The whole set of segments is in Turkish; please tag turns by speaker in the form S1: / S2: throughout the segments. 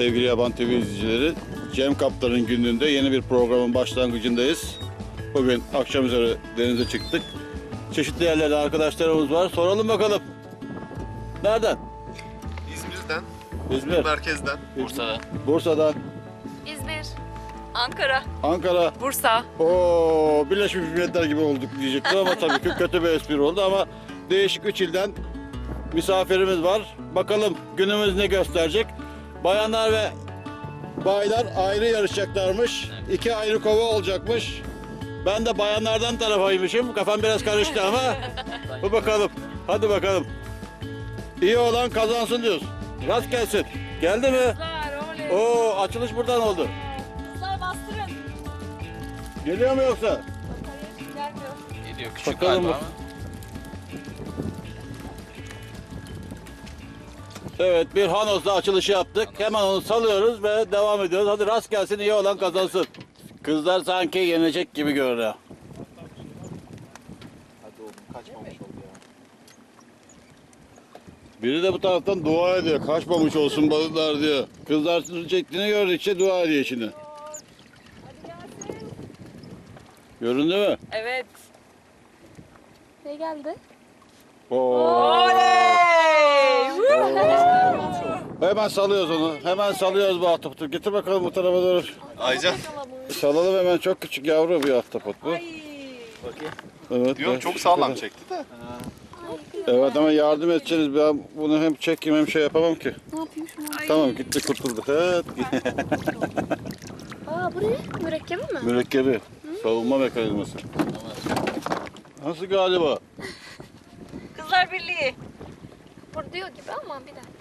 S1: Sevgili Yaban TV izleyicileri, Cem Kaptan'ın günlüğünde yeni bir programın başlangıcındayız. Bugün akşam üzeri denize çıktık. Çeşitli yerlerde arkadaşlarımız var. Soralım bakalım. Nereden?
S2: İzmir'den,
S1: İzmir.
S2: merkezden,
S3: Bursa'dan.
S1: Bursa'dan.
S4: İzmir.
S5: Ankara,
S1: Ankara.
S5: Bursa.
S1: Oo, Birleşmiş Milletler gibi olduk diyecektim ama tabii ki kötü bir espri oldu ama değişik 3 ilden misafirimiz var. Bakalım günümüz ne gösterecek? Bayanlar ve baylar ayrı yarışacaklarmış. 2 ayrı kova olacakmış. Ben de bayanlardan tarafaymışım. Kafam biraz karıştı ama bu bakalım. Hadi bakalım. İyi olan kazansın diyoruz. Rast gelsin. Geldi mi?
S5: Kızlar, oley.
S1: Oo, açılış buradan oldu.
S5: Kızlar bastırın.
S1: Geliyor mu yoksa?
S5: Gelmiyor.
S3: Gidiyor küçük
S1: Bakalım
S3: galiba
S1: bak.
S3: ama.
S1: Evet, bir Hanos'la açılışı yaptık. Hemen onu salıyoruz ve devam ediyoruz. Hadi rast gelsin, iyi olan kazansın. Kızlar sanki yenecek gibi görünüyor. Biri de bu taraftan dua ediyor. Kaçmamış olsun balıklar diyor. Kızlar sızı çektiğini gördükçe dua ediyor şimdi. Göründü mü?
S5: Evet.
S4: Ne geldi?
S1: Oo.
S5: Oley!
S1: Hemen salıyoruz onu. Hemen salıyoruz bu ahtapotu. Getir bakalım bu tarafa doğru.
S2: Aycan.
S1: Salalım hemen, çok küçük yavru bir ahtapot bu. Evet.
S2: Diyorum
S1: evet.
S2: çok sağlam çekti de.
S1: Evet ama yardım edeceğiz. Ben bunu hem çekeyim hem şey yapamam ki.
S4: Ne yapayım şunu?
S1: Tamam, gitti, kurtulduk. Evet.
S4: Aa, bu ne? Mürekkebi mi?
S1: Mürekkebi. Savunma mekanizması. Nasıl galiba?
S5: Kızlar Birliği.
S4: Burada diyor gibi ama bir dakika.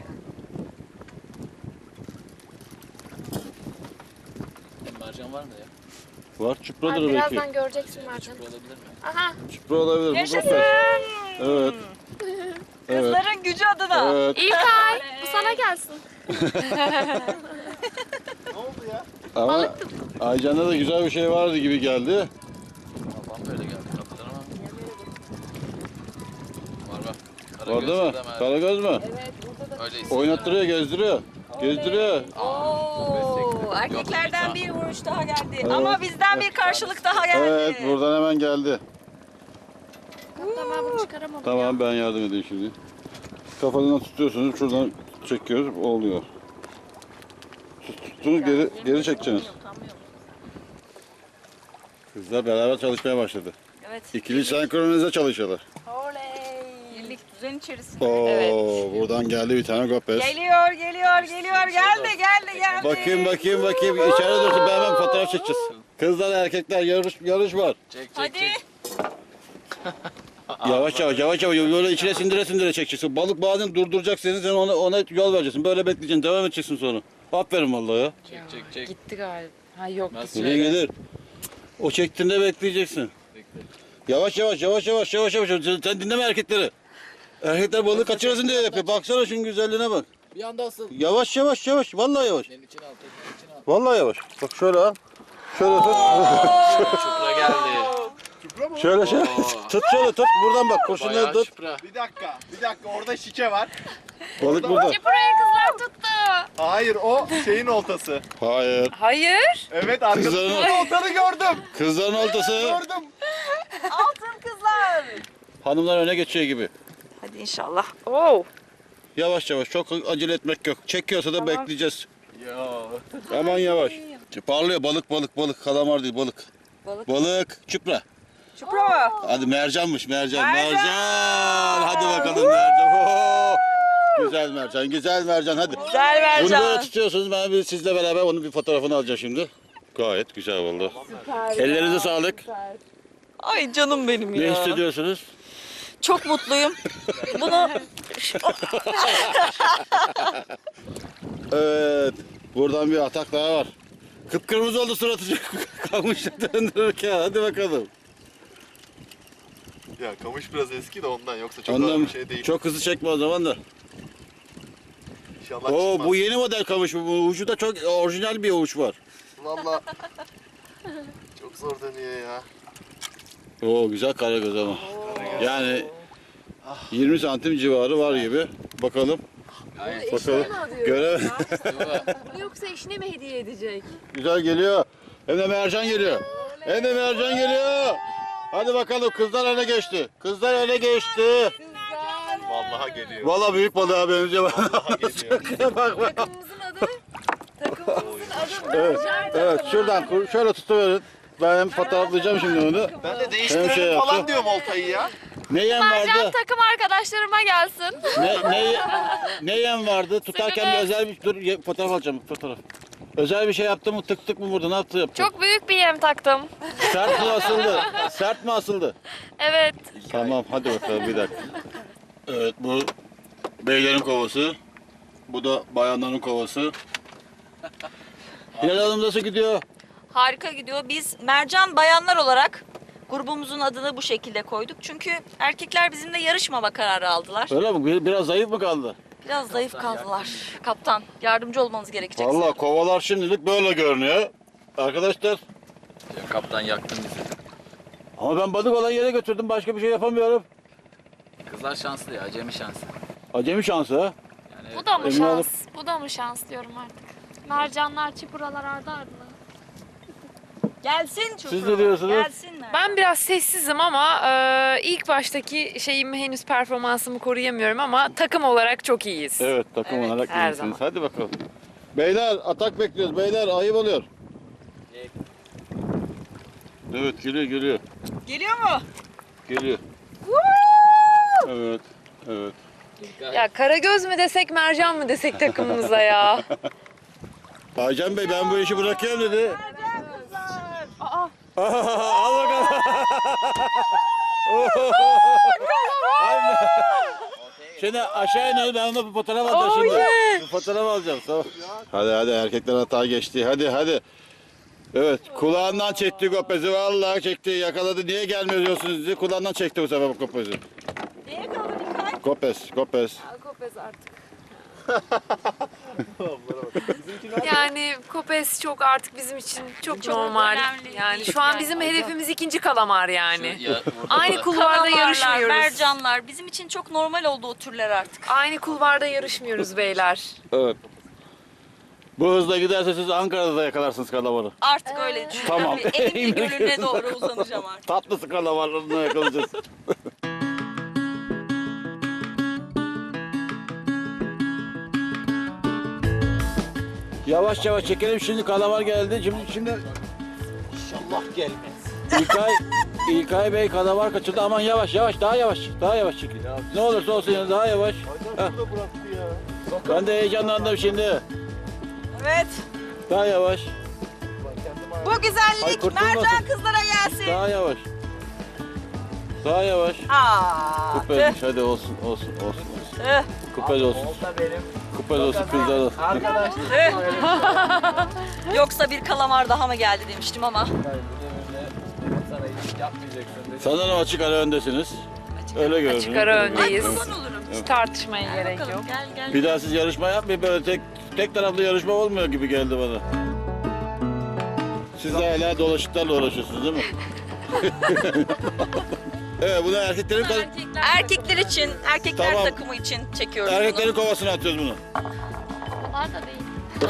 S3: Mercan var mı ya?
S1: Var,
S4: Ay,
S1: çupradır belki.
S4: birazdan göreceksin Mercan.
S3: Olabilir mi?
S4: Aha.
S1: Çupra olabilir. Bu
S5: Yaşasın.
S1: gofret. Evet. Evet.
S5: Kızların gücü adına.
S1: Evet.
S4: İlkay, bu sana gelsin.
S2: Ne oldu ya?
S1: Ama Aycan'da da güzel bir şey vardı gibi geldi.
S3: Allah'ım böyle geldi kapıdan ama. Var bak.
S1: Var değil mi? Karagöz mü?
S3: Öyle
S1: Oynattırıyor, gezdiriyor. Gezdiriyor.
S5: Oo, erkeklerden
S3: Yok,
S5: bir vuruş daha geldi.
S1: Evet.
S5: Ama bizden bir karşılık daha geldi.
S1: Evet, buradan hemen geldi.
S4: Kaptan ben bunu çıkaramadım.
S1: Tamam, ben yardım edeyim şimdi. Kafadan tutuyorsunuz, şuradan çekiyoruz, oluyor. Tuttunuz, geri çekeceksiniz. Kızlar beraber çalışmaya başladı.
S5: Evet.
S1: İkili senkronize çalışıyorlar.
S5: Oley. Birlik düzen içerisinde.
S1: Oo, buradan geldi bir tane gopez.
S5: Geliyor. Geldi.
S1: Bakayım. İçeride dursun, ben hemen fotoğraf çekeceğiz. Kızlar erkekler yarış var.
S3: Çek.
S5: Hadi.
S1: Yavaş, böyle içine sindire çekeceksin. Balık bazen durduracaksın, sen ona yol vereceksin. Böyle bekleyeceksin, devam edeceksin sonra. Aferin vallahi ya.
S3: Çek.
S5: Gitti galiba. Ha yok.
S3: Nasıl?
S1: Gelir. O çektiğinde bekleyeceksin. Yavaş. Sen dinleme erkekleri. Erkekler balığı kaçırasın diye yapıyor. Baksana şunun güzelliğine bak.
S3: Bir anda asıl.
S1: Yavaş. Vallahi yavaş.
S3: Elin içine al.
S1: Vallahi yavaş. Bak şöyle al. Şöyle tut.
S3: Çupra geldi.
S1: Şöyle.
S3: Oo.
S1: Tut. Buradan bak. Kurşunları
S3: Bayağı
S1: tut.
S3: çupra.
S2: Bir dakika orada şike var.
S1: Balık burada.
S4: Buraya kızlar tuttu.
S2: Hayır o şeyin oltası.
S1: Hayır.
S5: Hayır.
S2: Evet
S1: Kızların-
S2: arkasında oltanı gördüm.
S1: Kızların oltası.
S2: Gördüm.
S5: Altın kızlar.
S1: Hanımlar öne geçiyor gibi.
S5: Hadi inşallah. Oo.
S1: Yavaş. Çok acele etmek yok. Çekiyorsa da bekleyeceğiz.
S2: Ya.
S1: Aman yavaş. Parlıyor balık. Kalamar değil balık. Balık. Çupra.
S5: Çupra mı?
S1: Hadi mercanmış mercan. Hadi bakalım
S5: Woo!
S1: mercan. Oo! Güzel mercan hadi.
S5: Güzel
S1: Bunu böyle
S5: Mercan.
S1: tutuyorsunuz. Ben sizle beraber onun bir fotoğrafını alacağım şimdi. Gayet güzel oldu. Ellerinize sağlık.
S5: Ay canım benim
S1: Ne
S5: ya.
S1: hissediyorsunuz?
S5: Çok mutluyum. Bunu
S1: Evet. Buradan bir atak daha var. Kıpkırmızı oldu suratı. Kalmışlar döndürürken. Hadi bakalım.
S2: Ya kamış biraz eski de ondan yoksa çok ağır
S1: Ondan
S2: bir şey değil.
S1: çok hızlı çekme o zaman da.
S2: İnşallah
S1: Oo,
S2: çıkmaz.
S1: bu yeni model kamış. Bu ucu da çok orijinal bir uç var.
S2: Valla. Çok zor dönüyor ya.
S1: Oo, güzel karagöz ama. Yani 20 santim civarı var gibi. Bakalım. Bakalım. Görev.
S6: Yoksa eşine mi hediye edecek?
S1: Güzel geliyor. Hem de mercan geliyor. Hem de mercan geliyor. Hadi bakalım kızlar öne geçti. Kızlar öne geçti.
S2: Vallahi geliyor.
S1: Vallahi büyük balığa benziyor.
S2: Vallahi geliyor.
S1: Bak bak.
S6: Takımımızın adı? Takımımızın adı
S1: Evet, evet şuradan şöyle tutuverin. Ben hem fotoğraflayacağım şimdi onu.
S2: Ben de
S1: Hem
S2: değiştirelim
S1: şey
S2: falan
S1: yaptı.
S2: diyorum oltayı ya.
S1: Ne yem
S4: Mercan
S1: vardı?
S4: takım arkadaşlarıma gelsin.
S1: Ne yem vardı? Tutarken bir özel bir dur fotoğraf alacağım fotoğraf. Özel bir şey yaptı mı? Tık tık mı vurdu? Ne yaptı? Yaptı.
S4: Çok büyük bir yem taktım.
S1: Sert mi asıldı? Sert mi asıldı?
S4: Evet.
S1: Tamam hadi bakalım bir dakika. Evet bu beylerin kovası. Bu da bayanların kovası. Hilal Hanım nasıl gidiyor?
S5: harika gidiyor. Biz mercan bayanlar olarak grubumuzun adını bu şekilde koyduk. Çünkü erkekler bizimle yarışmama kararı aldılar.
S1: Öyle mi? Biraz zayıf mı kaldı?
S5: Biraz zayıf kaldılar. Kaptan yardımcı olmanız gerekecek.
S1: Vallahi kovalar şimdilik böyle görünüyor. Arkadaşlar
S3: Ya kaptan yaktın bizi.
S1: ama ben balık olan yere götürdüm. Başka bir şey yapamıyorum.
S3: Kızlar şanslı ya, acemi şansı.
S1: Acemi şansı ha.
S3: Yani
S4: Bu da mı
S1: Emin
S4: şans?
S1: olup-
S4: Bu da mı şans diyorum artık. Mercanlar, çipuralar ardı ardına.
S5: Gelsin çocuklar.
S1: Siz ne diyorsunuz?
S5: Gelsinler.
S6: Ben biraz sessizim ama ilk baştaki şeyimi henüz performansımı koruyamıyorum ama takım olarak çok iyiyiz.
S1: Evet takım olarak
S6: her
S1: iyisiniz.
S6: zaman.
S1: Hadi bakalım. Beyler atak bekliyoruz. Beyler ayıp oluyor. Evet geliyor geliyor.
S5: Geliyor mu?
S1: Geliyor. Evet. Evet.
S6: Ya Karagöz mü desek mercan mı desek takımımıza ya.
S1: Aycan Bey ben bu işi bırakıyorum dedi.
S6: Aa.
S1: Al bakalım. Şimdi aşağı inelim ben ona bir fotoğraf alacağım şimdi. Bir fotoğraf alacağım. Tamam. Hadi erkekler hata geçti. Hadi. Evet kulağından çekti kopezi vallahi çekti yakaladı. Niye gelmiyor diyorsunuz sizi? Kulağından çekti bu sefer bu kopezi.
S5: Neye kaldı dikkat?
S1: Kopez.
S6: Kopez artık. Yani Kopez çok artık bizim için çok normal.
S5: önemli
S6: Yani
S5: değil.
S6: şu an
S5: Yani.
S6: bizim hedefimiz ikinci kalamar yani.
S3: ya, burada
S6: Aynı kulvarda
S5: Kalamarlar,
S6: yarışmıyoruz.
S5: mercanlar bizim için çok normal oldu o türler artık.
S6: Aynı kulvarda yarışmıyoruz beyler.
S1: Evet. Bu hızla giderse siz Ankara'da da yakalarsınız kalamarı.
S5: Artık öyle düşünüyorum.
S1: Tamam.
S5: Elimli gölüne doğru uzanacağım artık.
S1: Tatlısı kalamarlarını yakalayacağız. Yavaş çekelim şimdi kalamar geldi. Şimdi
S3: İnşallah gelmez.
S1: İlkay Bey kalamar kaçırdı. Aman yavaş daha yavaş çekin. Ne olursa olsun yani daha yavaş. Heh. Ben de heyecanlandım şimdi.
S5: Evet.
S1: Daha yavaş.
S5: Bu
S1: Ay,
S5: güzellik
S1: kurtulmasın.
S5: mercan kızlara gelsin.
S1: Daha yavaş.
S5: Aa.
S1: Kupezmiş hadi olsun.
S5: Tüh.
S1: Kupez olsun. Kupez olsun kızlar olsun.
S5: Yoksa bir kalamar daha mı geldi demiştim ama.
S3: Sana iyilik yapmayacaksın dedi.
S1: Sanırım açık ara öndesiniz. Öyle görünüyor.
S6: Açık ara öndeyiz.
S5: Ay kurban olurum.
S6: Hiç tartışmaya gerek yok.
S5: Bakalım gel.
S1: Bir daha siz yarışma yapmayın böyle tek taraflı yarışma olmuyor gibi geldi bana. Siz de hala dolaşıklarla uğraşıyorsunuz değil mi? Evet bunu erkeklerin
S5: Erkekler için, erkekler
S1: Tamam.
S5: takımı için çekiyoruz
S1: erkeklerin kovasına atıyoruz bunu.
S4: Onlar da değil.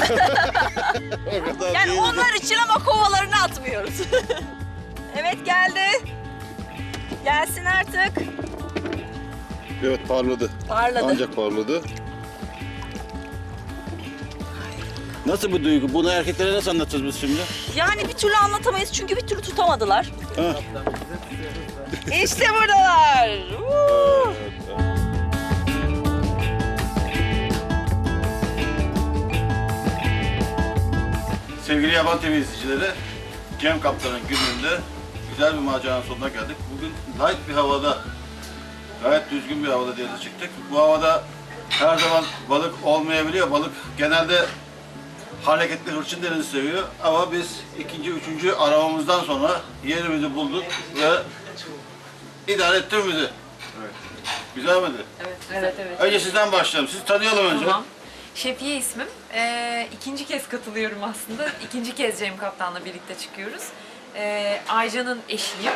S1: O kadar
S5: bunu. Yani
S1: değil.
S5: onlar için ama kovalarını atmıyoruz. Evet geldi. Gelsin artık.
S1: Evet parladı.
S5: Parladı.
S1: Ancak parladı. Nasıl bu duygu? Bunu erkeklere nasıl anlatacağız biz şimdi?
S5: Yani bir türlü anlatamayız çünkü bir türlü tutamadılar.
S1: Ha.
S5: İşte buradalar. Woo!
S1: Sevgili Yaban TV izleyicileri, Cem Kaptan'ın gününde güzel bir maceranın sonuna geldik. Bugün light bir havada, gayet düzgün bir havada denize çıktık. Bu havada her zaman balık olmayabiliyor. Balık genelde hareketli hırçın denizi seviyor. Ama biz ikinci, üçüncü aramamızdan sonra yerimizi bulduk ve idare etti bizi. Evet. Güzel miydi?
S6: Evet.
S1: Önce sizden başlayalım. Sizi tanıyalım önce.
S6: Tamam. Şefiye ismim. İkinci kez katılıyorum aslında. İkinci kez Cem Kaptan'la birlikte çıkıyoruz. Aycan'ın eşiyim.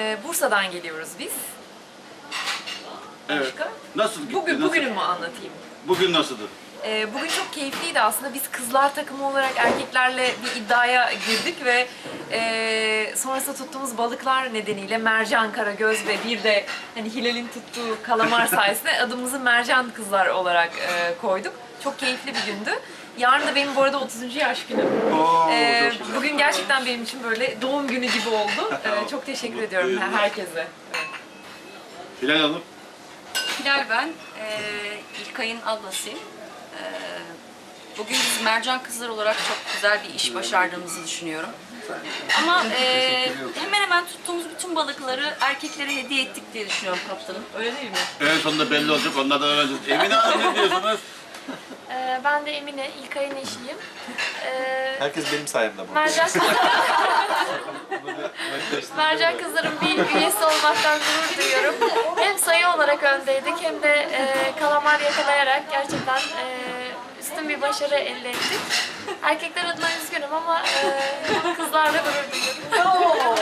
S6: Bursa'dan geliyoruz biz.
S1: Evet.
S6: Başka?
S1: Nasıl gitti?
S6: Bugünü
S1: Nasıl?
S6: mü anlatayım?
S1: Bugün nasıldı?
S6: Bugün çok keyifliydi aslında. Biz kızlar takımı olarak erkeklerle bir iddiaya girdik ve sonrasında tuttuğumuz balıklar nedeniyle mercan, karagöz ve bir de hani Hilal'in tuttuğu kalamar sayesinde adımızı mercan kızlar olarak koyduk. Çok keyifli bir gündü. Yarın da benim bu arada 30. yaş günüm. Bugün gerçekten benim için böyle doğum günü gibi oldu. Çok teşekkür ediyorum herkese.
S1: Hilal Hanım.
S5: Hilal ben, İlkay'ın ablasıyım. Bugün biz mercan kızlar olarak çok güzel bir iş başardığımızı düşünüyorum. Ama hemen hemen tuttuğumuz bütün balıkları erkeklere hediye ettik diye düşünüyorum kaptanım. Öyle değil mi?
S1: En sonunda belli olacak. Onlardan öğreneceğiz. Emine Hanım ne diyorsunuz?
S4: Ben de Emine, İlkay'ın eşiyim.
S2: Herkes benim sayemde bu.
S4: Mercan Kızlar'ın bir üyesi olmaktan gurur duyuyorum. Hem sayı olarak öndeydik hem de kalamar yakalayarak gerçekten üstün bir başarı elde ettik. Erkekler adına üzgünüm ama kızlarla gurur duyuyorum.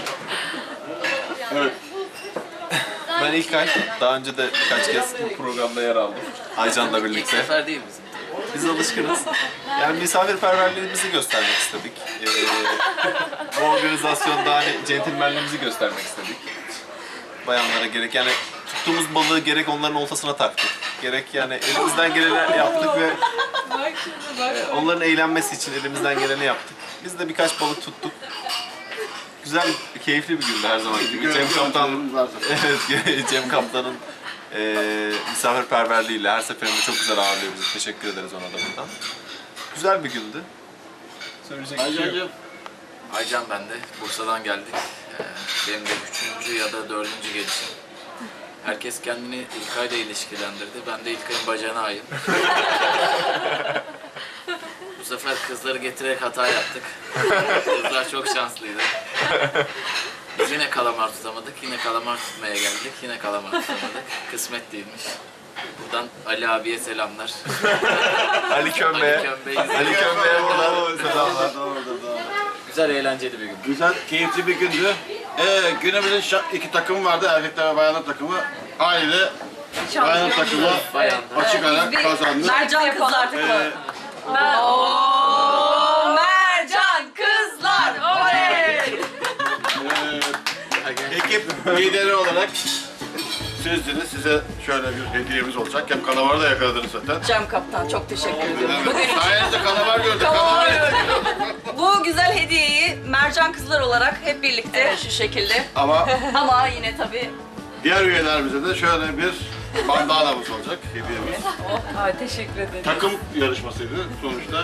S1: Evet.
S2: Ben İlkay. Daha önce de birkaç kez bu programda yer aldım. Aycan'la
S3: İlk
S2: birlikte.
S3: sefer değil bizim.
S2: Biz alışkınız. Yani misafirperverliğimizi göstermek istedik. Bu organizasyonda hani centilmenliğimizi göstermek istedik. Bayanlara gerek yani tuttuğumuz balığı gerek onların oltasına taktık. Gerek yani elimizden geleni yaptık ve onların eğlenmesi için elimizden geleni yaptık. Biz de birkaç balık tuttuk. Güzel, keyifli bir gündü her zaman gibi. Cem Kaptan, evet, Cem Kaptan'ın misafirperverliğiyle her seferinde çok güzel ağırlıyor bizi. Teşekkür ederiz ona da buradan. Güzel bir gündü. Söyleyecek bir şey yok.
S1: Aycancığım.
S3: Aycan ben de. Bursa'dan geldik. Benim de 3. ya da 4. gelişim. Herkes kendini İlkay'la ilişkilendirdi. Ben de İlkay'ın bacağına ayım. Bu sefer kızları getirerek hata yaptık. Kızlar çok şanslıydı. Biz yine kalamar tutamadık. Yine kalamar tutmaya geldik. Yine kalamar tutamadık. Kısmet değilmiş. Buradan Ali abiye selamlar.
S2: Ali Kömbe'ye. Ali Kömbe'ye buradan selamlar.
S3: Güzel, eğlenceli bir gün.
S1: Güzel, keyifli bir gündü. Günümüzün iki takımı vardı. Erkekler ve bayanlar takımı. Aile bayanlar takımı açık ara kazandı.
S5: Mercan kızlar takımı. Mercan kızlar! Oley!
S1: Ekip lideri olarak sizdiniz. Size şöyle bir hediyemiz olacak. Hem kalamarı da yakaladınız zaten.
S5: Cem Kaptan çok teşekkür ediyorum.
S1: Sayenizde kalamar gördük. Kalamar
S5: Bu güzel hediyeyi mercan kızlar olarak hep birlikte şu şekilde.
S1: Ama
S5: Ama yine tabii
S1: diğer üyelerimize de şöyle bir bandanamız olacak hediyemiz.
S6: Ay, teşekkür ederim.
S1: Takım yarışmasıydı sonuçta.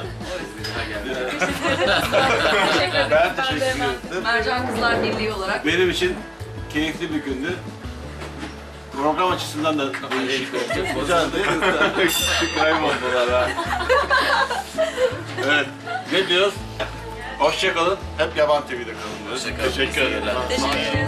S6: Teşekkür ederim.
S1: Ben teşekkür ederim.
S5: Mercan Kızlar Birliği olarak.
S1: Benim için keyifli bir gündü. Program açısından da değişik oldu. Güzeldi. Kayboldular ha. Evet. Ne diyoruz? Hoşçakalın. Hep Yaban TV'de kalın diyoruz.
S3: Hoşça kalın.
S1: Teşekkür ederim.
S5: Teşekkür ederiz.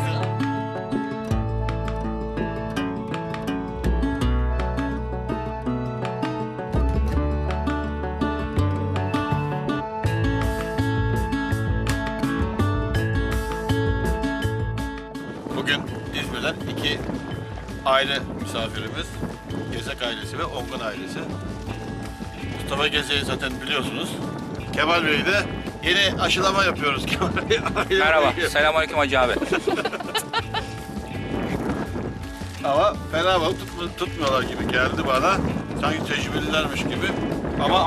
S1: Bugün İzmir'den iki aile misafirimiz. Gezek ailesi ve Ongun ailesi. Mustafa Gezek'i zaten biliyorsunuz. Kemal Bey'i de yeni aşılama yapıyoruz Kemal Bey.
S7: Merhaba, selamünaleyküm Hacı abi.
S1: Ama fena balık tutmuyorlar gibi geldi bana. Sanki tecrübelilermiş gibi. Ama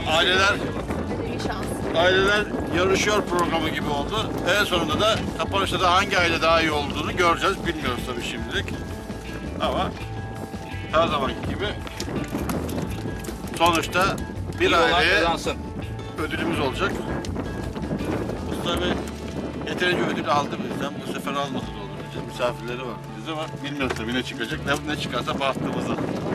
S1: aileler yarışıyor programı gibi oldu. En sonunda da kapanışta da hangi aile daha iyi olduğunu göreceğiz. Bilmiyoruz tabii şimdilik. Ama her zamanki gibi sonuçta bir
S7: İyi olan
S1: aileye
S7: kazansın.
S1: ödülümüz olacak. Mustafa Bey yeterince ödül aldı bizden. Bu sefer almadı da olur. Misafirleri var biz ama bilmiyoruz tabii ne çıkacak. Ne çıkarsa bahtımıza.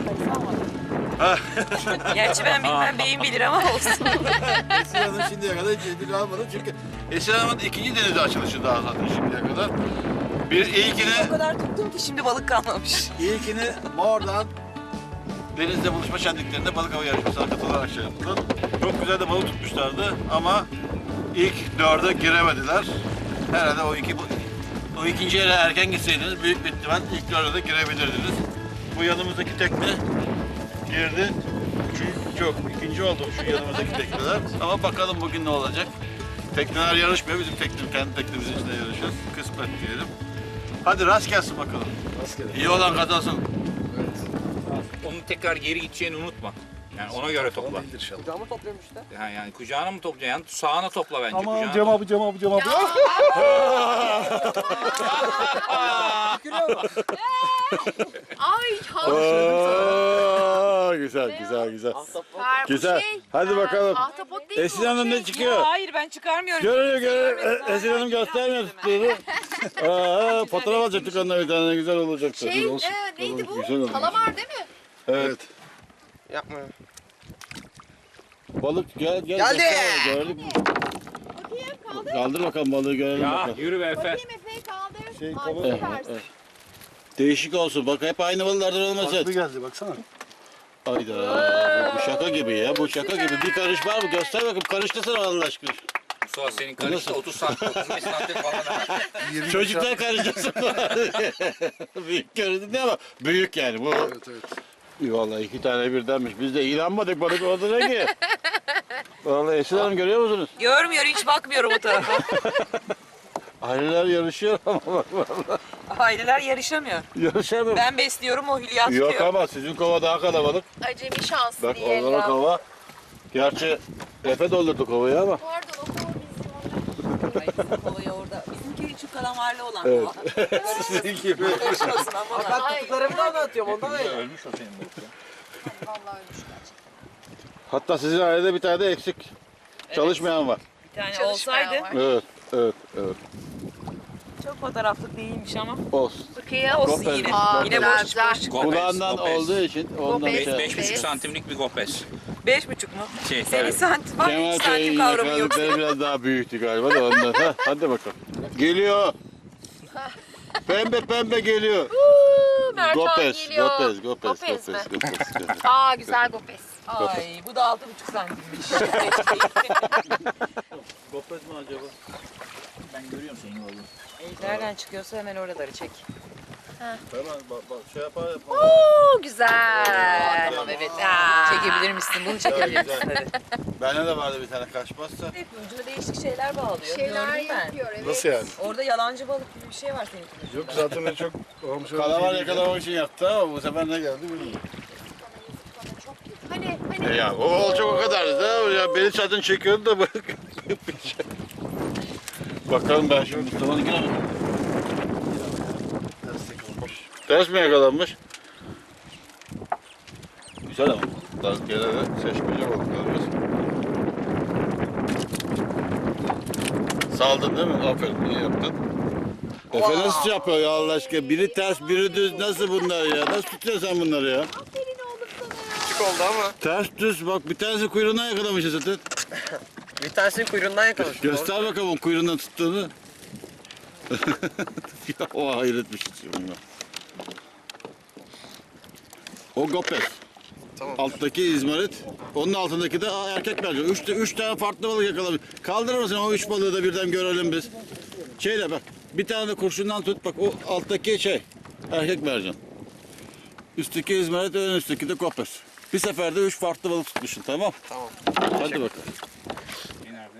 S5: Gerçi ben bilmem, beyim bilir ama olsun.
S1: Esra Hanım şimdiye kadar hiç ödül almadı çünkü Esra Hanım'ın ikinci denize açılışı daha zaten şimdiye kadar.
S5: O kadar tuttum ki şimdi balık kalmamış.
S1: İlkini Mor'dan denizde buluşma şenliklerinde balık avı yarışmasına katılarak şey yaptılar. Çok güzel de balık tutmuşlardı ama ilk dörde giremediler. Herhalde o ikinci yere erken gitseydiniz büyük bir ihtimal ilk dörde de girebilirdiniz. Bu yanımızdaki tekne girdi. İkinci oldu şu yanımızdaki tekneler. Ama bakalım bugün ne olacak. Tekneler yarışmıyor. Bizim kendi teknemizin içinde yarışıyoruz. Kısmet diyelim. Hadi rast gelsin bakalım. İyi olan kazansın.
S7: Onun tekrar geri gideceğini unutma. Yani ona göre topla.
S8: Kucağıma topluyorum işte.
S7: Yani kucağına mı toplayacaksın? Sağına topla bence.
S1: Aman
S7: kucağına.
S1: Cem abi.
S4: Ay
S1: Güzel.
S4: Ver bu
S1: Güzel.
S4: şey.
S1: Hadi bakalım.
S4: Ahtapot değil mi
S1: Esin
S4: o?
S1: Hanım ne çıkıyor?
S6: Hayır ben çıkarmıyorum.
S1: Görüyor. Esin Hanım göstermiyor tuttuğunu. Fotoğraf alacaktık onunla bir tane güzel olacaktı.
S4: Şey neydi bu?
S1: Güzel oldu.
S4: Kalamar değil mi?
S1: Evet.
S8: Yapma.
S1: Balık gel.
S8: Geldi.
S1: göster, gördük.
S4: Bakayım kaldır.
S1: Kaldır bakalım balığı görelim
S7: Ya
S1: bakalım.
S7: yürü be Efe.
S4: Bakayım Efe'yi kaldır.
S1: Şey,
S4: Ay,
S1: kapat.
S4: süpersin.
S1: Değişik olsun. Bak hep aynı balıklardan olmasın.
S9: geldi baksana.
S1: Hayda. Bu şaka gibi ya. Bu şaka gibi. Bir karış var mı? Göster bakayım. Karıştırsana Allah aşkına.
S7: Mustafa senin karışta 30 santim, 35 santim falan.
S1: Çocuklar karıştırsın. Büyük göründü ama büyük yani bu.
S9: Evet.
S1: Vallahi 2 tane birdenmiş. Biz de inanmadık balık orada ne ki? Vallahi Esin Hanım görüyor musunuz?
S6: Görmüyor hiç bakmıyorum o tarafa.
S1: Aileler yarışıyor ama
S6: Aileler yarışamıyor.
S1: yarışamıyor.
S6: Ben besliyorum o Hülya tutuyor.
S1: Yok ama sizin kova daha kalabalık.
S4: Acemi şansı
S1: Bak
S4: diye.
S1: onlara kova. Gerçi Efe doldurdu kovayı ama.
S4: Pardon o kova
S6: Kovayı orada. Bizimki şu kalamarlı olan
S1: Evet.
S6: kova.
S1: Sizin gibi.
S6: Karışmasın ama.
S8: Ben tuttuklarımı da anlatıyorum ondan öyle.
S7: Ölmüş o senin balık ya.
S4: Vallahi ölmüş gerçekten.
S1: Hatta sizin ailede bir tane de eksik. Çalışmayan var.
S6: Bir tane
S4: Çalışmayan
S6: olsaydı.
S4: var.
S1: Evet.
S6: Çok fotoğraflık değilmiş ama.
S1: Olsun.
S4: Bakayım.
S6: Olsun
S1: Gopez.
S6: yine.
S4: Aa,
S6: Yine
S4: güzel,
S6: boş
S4: güzel.
S6: boş.
S1: Kulağından olduğu için ondan
S4: Gopez.
S1: şey.
S7: 5,5 santimlik bir gopez.
S6: 5,5 mu?
S7: Şey,
S6: Senin
S7: evet.
S6: santim var,
S1: Kemal
S6: 3 santim
S1: Bey'in
S6: kavramı yok.
S1: yakaladıkları biraz daha büyüktü galiba da ondan. Hadi bakalım. Geliyor. Pembe geliyor.
S4: Mercan
S1: Gopez,
S4: geliyor.
S1: Gopez.
S4: Gopez mi? Aa güzel Gopez.
S6: Ay bu da 6,5 santimmiş.
S1: Gopez mi acaba?
S7: Ben görüyorum senin oğlum.
S6: Nereden çıkıyorsa hemen oraları çek.
S1: Hemen şey yapar.
S4: Oo güzel.
S6: Tamam evet. Çekebilir misin? Bunu çekebilir misin? Hadi.
S1: Bende de vardı bir tane kaçmazsa.
S6: Hep ucuna değişik şeyler bağlıyor.
S4: Şeyler
S6: Gördüm ben.
S4: yapıyor evet.
S9: Nasıl yani?
S6: Orada yalancı balık gibi bir şey var senin.
S9: Yok zaten ben çok olmuş.
S1: Kalamar yakalamak için yaptı ama bu sefer ne geldi bilmiyorum.
S4: Hani
S1: Ya o olacak o kadardı da ya beni zaten çekiyordu da bak. Bakalım ben şimdi Mustafa'nın girelim. Ters mi yakalanmış? Güzel ama. Daha gene de seçmece balıklarımız. Saldın değil mi? Aferin iyi yaptın. Efe nasıl yapıyor ya Allah aşkına? Biri ters biri düz nasıl bunlar ya? Nasıl tutuyorsun sen bunları ya?
S4: aferin oğlum sana ya.
S8: Küçük oldu ama.
S1: Ters düz bak bir tanesi kuyruğundan yakalamış zaten.
S8: Bir tanesini kuyruğundan yakalamış.
S1: Göster bakalım kuyruğundan tuttuğunu. Ya o hayret bir şey. O Gopez.
S8: Tamam.
S1: Alttaki izmarit. Onun altındaki de erkek mercan. Üç tane farklı balık yakalamış. Kaldırır mısın o 3 balığı da birden görelim biz. Şeyle bak. Bir tane de kurşundan tut bak. O alttaki şey. Erkek mercan. Üstteki izmarit, ön üstteki de Gopez. Bir seferde 3 farklı balık tutmuşsun tamam.
S8: Tamam.
S1: Hadi bakalım.
S7: Şey nerede?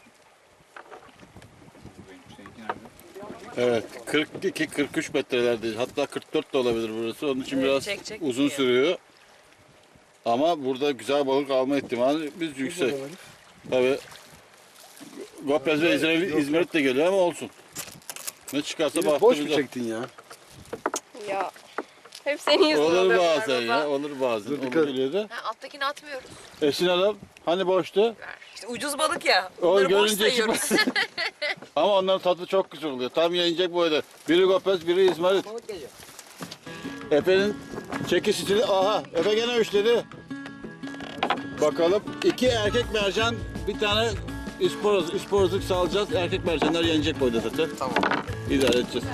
S7: Seninki nerede?
S1: Evet, 42-43 metrelerde, hatta 44 de olabilir burası. Onun için
S6: Evet,
S1: biraz
S6: çek
S1: uzun
S6: gidiyor.
S1: sürüyor. Ama burada güzel balık alma ihtimali biz yüksek. Tabii Gopez ve İzmarit de geliyor ama olsun. Ne çıkarsa
S9: Boş mu
S1: bahtımıza.
S9: çektin ya?
S4: Ya. Hep senin yüzünden
S1: Olur
S4: oluyor
S1: bazen
S4: baba.
S1: ya, olur bazen.
S9: Dur, dikkat et.
S1: Olabiliyor da.
S4: Ha, alttakini atmıyoruz.
S1: Esin Hanım, hani boştu?
S6: İşte ucuz balık ya.
S1: O
S6: Bunları boş
S1: görünce
S6: sayıyoruz.
S1: Ama onların tadı çok güzel oluyor. Tam yenecek boyda. Biri Gopez, biri İzmarit.
S8: Balık geliyor.
S1: Efe'nin çekiş stili, aha Efe gene üçledi. Bakalım 2 erkek mercan, bir tane isporozluk salacağız. Erkek mercanlar yenecek boyda zaten.
S8: Tamam.
S1: İdare edeceğiz.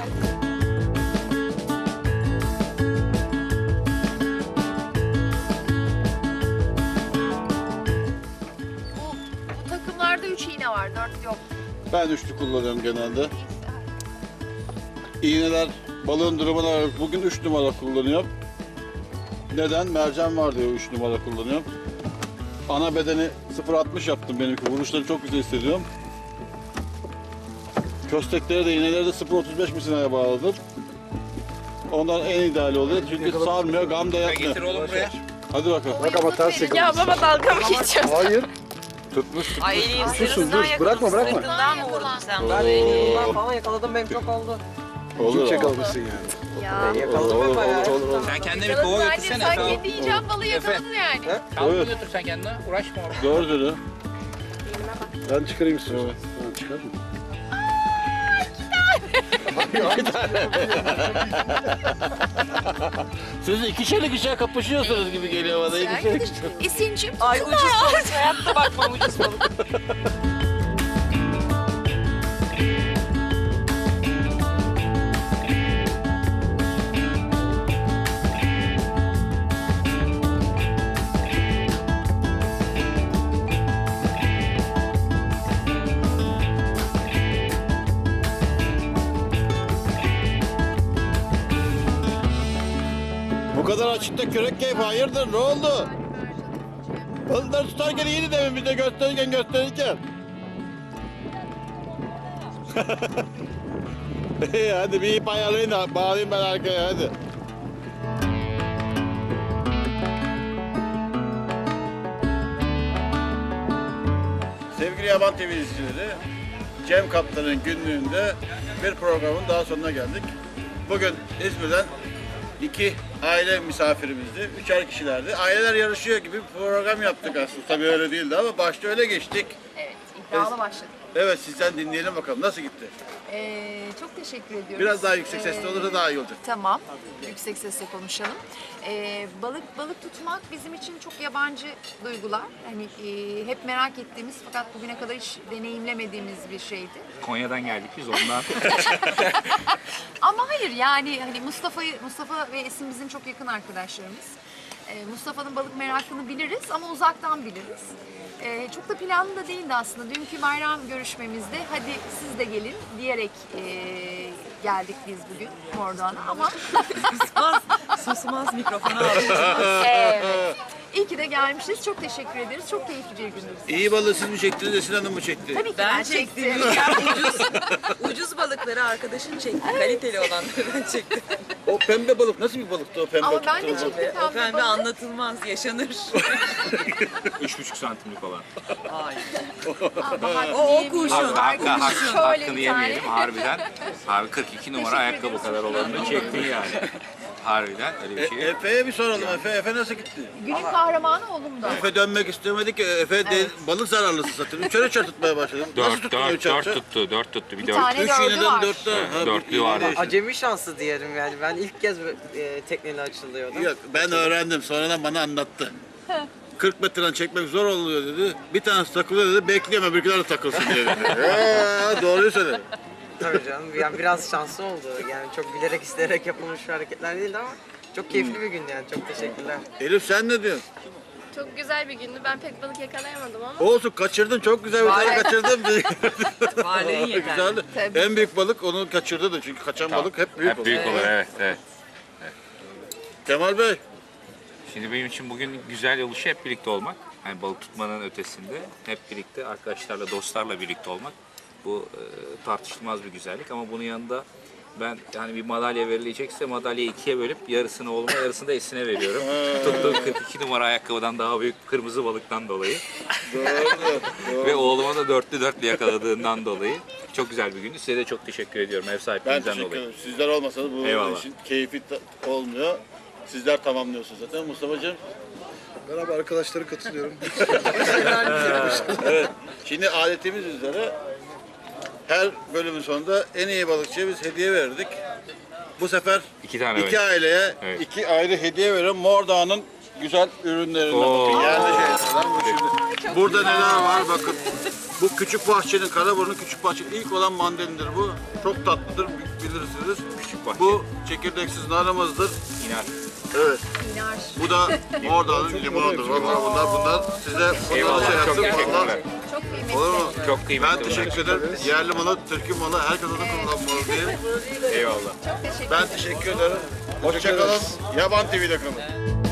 S4: Bu takımlarda 3 iğne var, 4 yok.
S1: Ben üçlü kullanıyorum genelde. İğneler balığın durumuna göre bugün 3 numara kullanıyorum. Neden? Mercan var diyor 3 numara kullanıyorum. Ana bedeni 0.60 yaptım benimki. Vuruşları çok güzel hissediyorum. Köstekleri de iğneleri de 0.35 misinaya bağladım. Ondan en ideali oluyor çünkü sarmıyor, gam da yapmıyor.
S7: Getir oğlum buraya.
S1: Hadi bakalım.
S9: Bak ama ters yakalamışsın.
S4: Ya baba dalga mı geçiyorsun?
S9: Hayır. Tutmuş.
S5: Ay
S9: Sus dur. Bırakma bırakma.
S5: sırtından mı vurdun sen?
S8: Ben elimden falan yakaladım benim çok oldu.
S1: Olur.
S9: Çok yakalamışsın yani.
S4: Ya.
S8: Yakaladım ben bayağı.
S7: Sen kendine bir kova
S4: Anne
S7: götürsene.
S4: sen
S7: Efe.
S4: kendi yiyeceğin balığı yakaladın yani.
S7: Kavga
S1: Evet.
S7: götür sen kendine. Uğraşma orada.
S1: Doğru dedi.
S9: Ben çıkarayım istiyorsan. Ben çıkar.
S1: Siz ikişer ikişer kapışıyorsunuz gibi geliyor bana. İkişer ikişer.
S4: Esin'cim
S5: Ay ucuz balık. Hayatta bakmam ucuz balık.
S1: Bu kadar açıkta kürek keyfi hayırdır ne oldu? Balıkları tutarken iyiydi demin bize gösterirken. İyi hadi bir ip ayarlayın da bağlayayım ben arkaya hadi. Sevgili Yaban TV izleyicileri, Cem Kaptan'ın günlüğünde bir programın daha sonuna geldik. Bugün İzmir'den 2 aile misafirimizdi. 3'er kişilerdi. Aileler yarışıyor gibi bir program yaptık aslında. Tabii öyle değildi ama başta öyle geçtik.
S6: Evet, iddialı başladık.
S1: Evet sizden dinleyelim bakalım nasıl gitti?
S6: Çok teşekkür ediyoruz.
S1: Biraz daha yüksek sesli olursa daha iyi olacak.
S6: Tamam, yüksek sesle konuşalım. Balık tutmak bizim için çok yabancı duygular. Hani hep merak ettiğimiz fakat bugüne kadar hiç deneyimlemediğimiz bir şeydi.
S7: Konya'dan geldik biz ondan.
S6: Ama hayır yani hani Mustafa ve Esin bizim çok yakın arkadaşlarımız. Mustafa'nın balık merakını biliriz ama uzaktan biliriz. Çok da planlı da değildi aslında. Dünkü bayram görüşmemizde hadi siz de gelin diyerek geldik biz bugün Mordoğan'a ama
S5: Susmaz mikrofonu aldı.
S6: evet. İyi ki de gelmişiz. Çok teşekkür ederiz. Çok keyifli bir gündü.
S1: İyi balığı siz mi çektiniz, Esin Hanım mı çekti?
S6: Tabii ki ben çektim.
S5: Ucuz balıkları arkadaşın çekti. Kaliteli olanları ben çektim.
S1: O pembe balık nasıl bir balıktı o pembe?
S6: Ama ben de
S1: tuttuğunuz balık?
S6: çektim
S5: O pembe
S6: balık.
S5: anlatılmaz, yaşanır.
S7: 3,5 santimlik olan.
S5: O kurşun.
S6: Şöyle
S7: Hakkını
S6: bir
S7: yemeyelim
S6: tane.
S7: harbiden. Abi 42 numara ayakkabı kadar olanını çektin yani. Harbiden öyle bir şey.
S1: Efe'ye bir soralım. Efe nasıl gitti?
S6: Günün kahramanı oğlumda.
S1: Efe dönmek istemedi ki. Efe de balık zararlısı zaten. Üçer tutmaya başladım. Nasıl
S7: 4
S1: tuttun
S7: 4
S1: üçer?
S7: 4 tuttu. 4 tuttu. Bir
S6: Bir
S7: 4.
S6: tane
S1: 3
S6: dördü
S1: iğneden
S6: var.
S1: 4'te.
S7: Evet, dörtlü vardı.
S8: Acemi şansı diyelim yani. Ben ilk kez tekneyle açılıyordum.
S1: Yok ben öğrendim. Sonradan bana anlattı. 40 metreden çekmek zor oluyor dedi. Bir tanesi takılıyor dedi. Bekleyemem öbürküler de takılsın diye dedi. Doğruyu söyledi.
S8: Tabii canım. Yani biraz şanslı oldu. Yani çok bilerek isteyerek yapılmış bir hareketler değildi ama çok keyifli bir gündü yani. Çok teşekkürler.
S1: Elif sen ne diyorsun?
S4: Çok güzel bir gündü. Ben pek balık yakalayamadım ama.
S1: Olsun kaçırdın. Çok güzel bir tane kaçırdın.
S5: Varlığın yeterli.
S1: Güzeldi.
S6: Tabii.
S1: En büyük balık onu kaçırdı da çünkü kaçan balık hep büyük
S7: Hep büyük
S1: olur.
S7: olur evet. Evet.
S1: Kemal Bey.
S7: Şimdi benim için bugün güzel oluşu hep birlikte olmak. Yani balık tutmanın ötesinde hep birlikte arkadaşlarla, dostlarla birlikte olmak. Bu tartışılmaz bir güzellik ama bunun yanında ben yani bir madalya verilecekse madalyayı ikiye bölüp yarısını oğluma yarısını da Esin'e veriyorum. Tuttuğum 42 numara ayakkabıdan daha büyük kırmızı balıktan dolayı. Ve oğluma da dörtlü yakaladığından dolayı. Çok güzel bir gündü. Size de çok teşekkür ediyorum ev
S1: Ben
S7: sahipliğinizden
S1: teşekkür
S7: dolayı.
S1: ederim. Sizler olmasanız bu
S7: Eyvallah.
S1: işin keyfi olmuyor. Sizler tamamlıyorsunuz zaten. Mustafa'cığım.
S9: Ben abi arkadaşlara katılıyorum.
S1: Evet. Şimdi adetimiz üzere her bölümün sonunda en iyi balıkçıya biz hediye verirdik. Bu sefer
S7: 2 tane
S1: iki aileye
S7: Evet.
S1: 2 ayrı hediye veriyorum. Mordoğan'ın güzel ürünlerinden
S7: Oo.
S1: bakın. Yerli şeylerden bu şimdi. Burada neler var bakın. Bu küçük bahçenin, Karaburun'un küçük bahçenin ilk olan mandalindir bu. Çok tatlıdır bilirsiniz.
S7: Küçük bahçe.
S1: Bu çekirdeksiz narımızdır.
S7: İnar.
S1: Evet. Bu da Mordoğan'ın limonudur. Bunlar size
S7: Eyvallah.
S1: şey
S7: Çok
S1: yaptım.
S7: teşekkürler.
S6: Çok kıymetli.
S1: Olur mu?
S7: Çok kıymetli.
S1: Ben teşekkür ederim. Yerli malı, Türk'ün malı, herkese de kullanmalı diye.
S7: Eyvallah.
S6: Çok teşekkür
S1: Ben teşekkür ederim. Hoşçakalın. Yaban TV'de kalın.